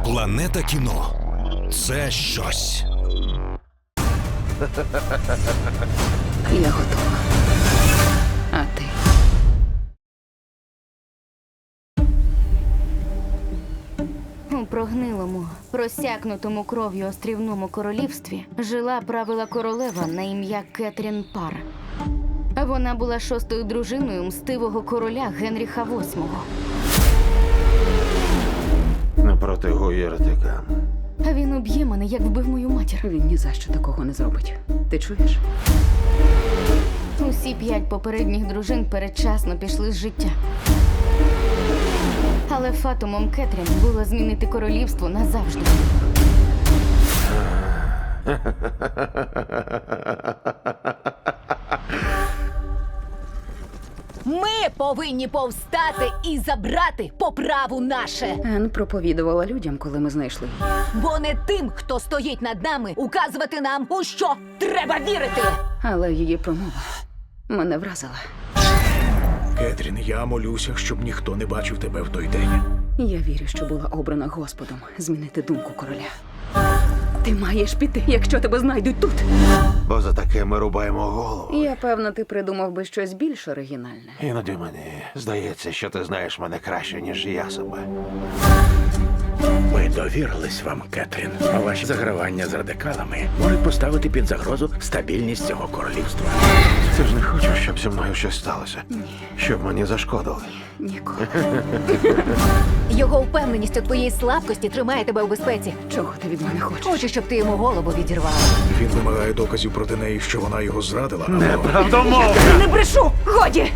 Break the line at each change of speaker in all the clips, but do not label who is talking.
Планета кіно – це щось.
Я готова. А ти?
У прогнилому, просякнутому кров'ю острівному королівстві жила правила королева на ім'я Кетрін Пар. Вона була шостою дружиною мстивого короля Генріха VIII.
Напроти гуєртика.
Він уб'є мене, як вбив мою матір.
Він ні за що такого не зробить. Ти чуєш?
Усі 5 попередніх дружин передчасно пішли з життя. Але фатумом Кетрін було змінити королівство назавжди.
Ми повинні повстати і забрати по праву наше.
Ен проповідувала людям, коли ми знайшли її.
Бо не тим, хто стоїть над нами, указувати нам, у що треба вірити.
Але її промова мене вразила.
Кетрін, я молюся, щоб ніхто не бачив тебе в той день.
Я вірю, що була обрана Господом змінити думку короля. Ти маєш піти, якщо тебе знайдуть тут.
Бо за таке ми рубаємо голову.
Я певна, ти придумав би щось більш оригінальне.
Іноді мені здається, що ти знаєш мене краще, ніж я себе.
Ми довірились вам, Кетрін. А ваші загравання з радикалами можуть поставити під загрозу стабільність цього королівства.
Ти ж не хочеш, щоб зі мною щось сталося? Ні. Щоб мені зашкодили?
Ніколи.
Його впевненість у твоїй слабкості тримає тебе у безпеці.
Чого ти від мене хочеш?
Хочу, щоб ти йому голову відірвала.
Він вимагає доказів проти неї, що вона його зрадила.
Неправдомовно!
Не брешу! Годі!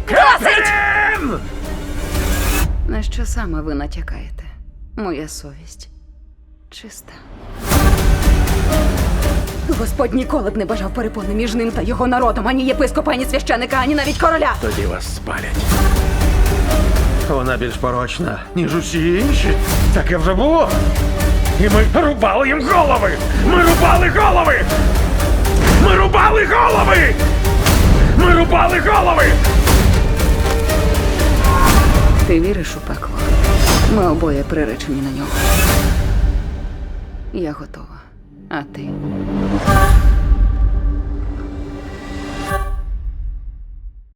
На що саме ви натякаєте? Моя совість чиста. Господь ніколи б не бажав перепони між ним та його народом, ані єпископа, ані священика, ані навіть короля.
Тоді вас спалять.
Вона більш порочна, ніж усі інші. Таке вже було. І ми рубали їм голови! Ми рубали голови! Ми рубали голови! Ми рубали голови!
Ти віриш у пекло? Ми обоє приречені на нього. Я готова. А ти?